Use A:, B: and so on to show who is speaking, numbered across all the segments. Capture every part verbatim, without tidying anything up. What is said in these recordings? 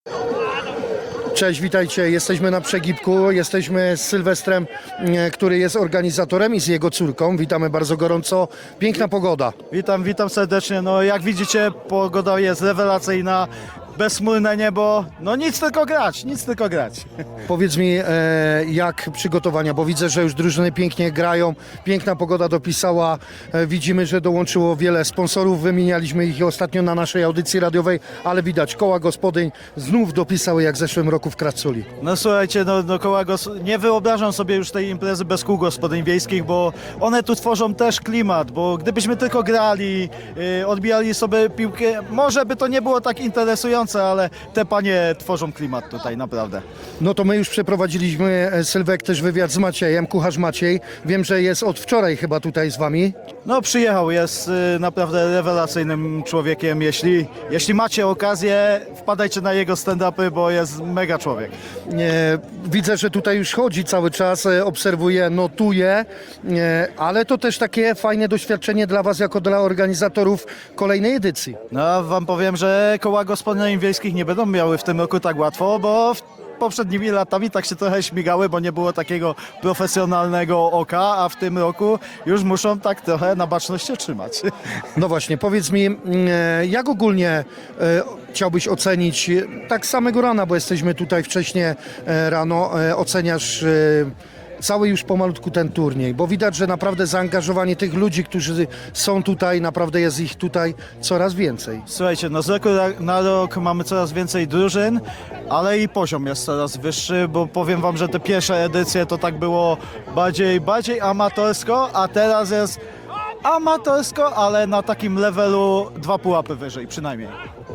A: Cześć, witajcie. Jesteśmy na Przegibku. Jesteśmy z Sylwestrem, e, który jest organizatorem, i z jego córką. Witamy bardzo gorąco. Piękna pogoda.
B: Witam, witam serdecznie. No jak widzicie, pogoda jest rewelacyjna, bezchmurne niebo. No nic tylko grać, nic tylko grać.
A: Powiedz mi, e, jak przygotowania, bo widzę, że już drużyny pięknie grają. Piękna pogoda dopisała. E, widzimy, że dołączyło wiele sponsorów. Wymienialiśmy ich ostatnio na naszej audycji radiowej, ale widać, koła gospodyń znów dopisały jak w zeszłym roku w Kraculi.
B: No słuchajcie, no, no koła gos- nie wyobrażam sobie już tej imprezy bez kół gospodyń wiejskich, bo one tu tworzą też klimat, bo gdybyśmy tylko grali, yy, odbijali sobie piłkę, może by to nie było tak interesujące, ale te panie tworzą klimat tutaj, naprawdę.
A: No to my już przeprowadziliśmy, e, Sylwek, też wywiad z Maciejem, kucharz Maciej. Wiem, że jest od wczoraj chyba tutaj z wami.
B: No przyjechał, jest y, naprawdę rewelacyjnym człowiekiem. Jeśli, jeśli macie okazję, wpadajcie na jego stand-upy, bo jest mega człowiek.
A: E, widzę, że tutaj już chodzi cały czas, e, obserwuję, notuje, e, ale to też takie fajne doświadczenie dla was, jako dla organizatorów kolejnej edycji.
B: No wam powiem, że koła gospodyń wiejskich nie będą miały w tym roku tak łatwo, bo w poprzednimi latami tak się trochę śmigały, bo nie było takiego profesjonalnego oka, a w tym roku już muszą tak trochę na baczność się trzymać.
A: No właśnie, powiedz mi, mm, e, jak ogólnie e, chciałbyś ocenić, e, tak z samego rana, bo jesteśmy tutaj wcześnie e, rano, e, oceniasz e, cały już pomalutku ten turniej, bo widać, że naprawdę zaangażowanie tych ludzi, którzy są tutaj, naprawdę jest ich tutaj coraz więcej.
B: Słuchajcie, no z roku na rok mamy coraz więcej drużyn, ale i poziom jest coraz wyższy, bo powiem wam, że te pierwsze edycje to tak było bardziej, bardziej amatorsko, a teraz jest amatorsko, ale na takim levelu dwa pułapy wyżej przynajmniej.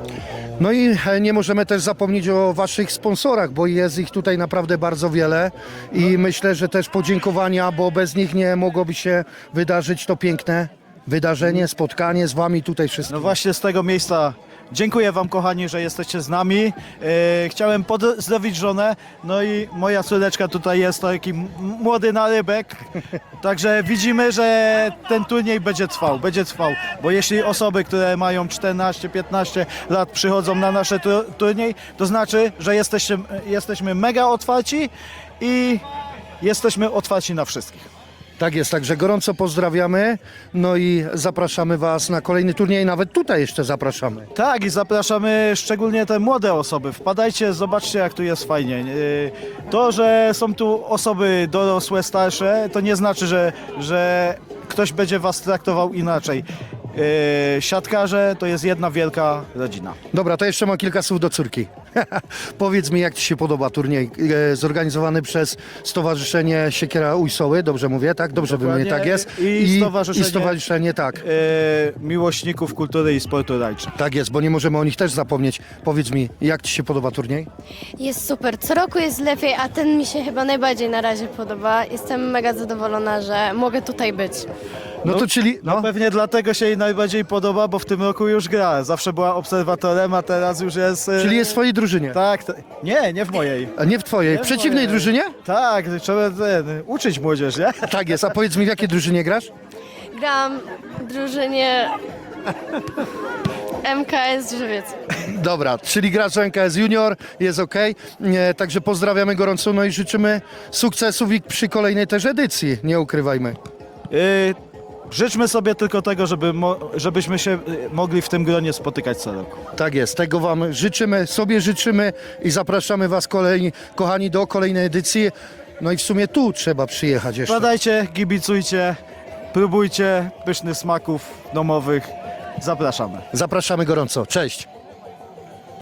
A: No i e, nie możemy też zapomnieć o waszych sponsorach, bo jest ich tutaj naprawdę bardzo wiele i myślę, że też podziękowania, bo bez nich nie mogłoby się wydarzyć to piękne wydarzenie, spotkanie z wami tutaj wszystkimi.
B: No właśnie z tego miejsca dziękuję wam, kochani, że jesteście z nami. E, chciałem pozdrowić żonę, no i moja córeczka tutaj jest taki m- młody narybek. Także widzimy, że ten turniej będzie trwał, będzie trwał, bo jeśli osoby, które mają czternaście piętnaście lat przychodzą na nasze tu- turniej, to znaczy, że jesteście, jesteśmy mega otwarci i jesteśmy otwarci na wszystkich.
A: Tak jest, także gorąco pozdrawiamy, no i zapraszamy was na kolejny turniej, nawet tutaj jeszcze zapraszamy.
B: Tak, i zapraszamy szczególnie te młode osoby. Wpadajcie, zobaczcie, jak tu jest fajnie. Yy, To, że są tu osoby dorosłe, starsze, to nie znaczy, że, że ktoś będzie was traktował inaczej. Yy, Siatkarze to jest jedna wielka rodzina.
A: Dobra, to jeszcze mam kilka słów do córki. Powiedz mi, jak ci się podoba turniej e, zorganizowany przez Stowarzyszenie Siekiera Ujsoły, dobrze mówię, tak? Dobrze
B: Dokładnie.
A: mówię, tak jest?
B: I stowarzyszenie-
A: i stowarzyszenie, tak.
B: Yy, Miłośników kultury i sportu rajczy.
A: Tak jest, bo nie możemy o nich też zapomnieć. Powiedz mi, jak ci się podoba turniej?
C: Jest super. Co roku jest lepiej, a ten mi się chyba najbardziej na razie podoba. Jestem mega zadowolona, że mogę tutaj być.
A: No, to czyli...
B: No
A: No,
B: pewnie dlatego się jej najbardziej podoba, bo w tym roku już gra. Zawsze była obserwatorem, a teraz już jest... yy,
A: czyli jest w twojej drużynie,
B: Tak, to, nie, nie w mojej.
A: a nie w twojej. W
B: w
A: przeciwnej
B: mojej.
A: drużynie?
B: Tak, trzeba ten, uczyć młodzież, nie?
A: Tak jest, a powiedz mi, w jakiej drużynie grasz?
C: Gram w drużynie M K S Drzewiec.
A: Dobra, czyli gracz N K S Junior, jest ok. E, także pozdrawiamy gorąco, no i życzymy sukcesów i przy kolejnej też edycji, nie ukrywajmy.
B: Yy, życzmy sobie tylko tego, żeby mo, żebyśmy się yy, mogli w tym gronie spotykać co roku.
A: Tak jest, tego wam życzymy, sobie życzymy i zapraszamy was, kolejni, kochani, do kolejnej edycji. No i w sumie tu trzeba przyjechać jeszcze.
B: Wpadajcie, kibicujcie, próbujcie pysznych smaków domowych. Zapraszamy.
A: Zapraszamy gorąco, cześć.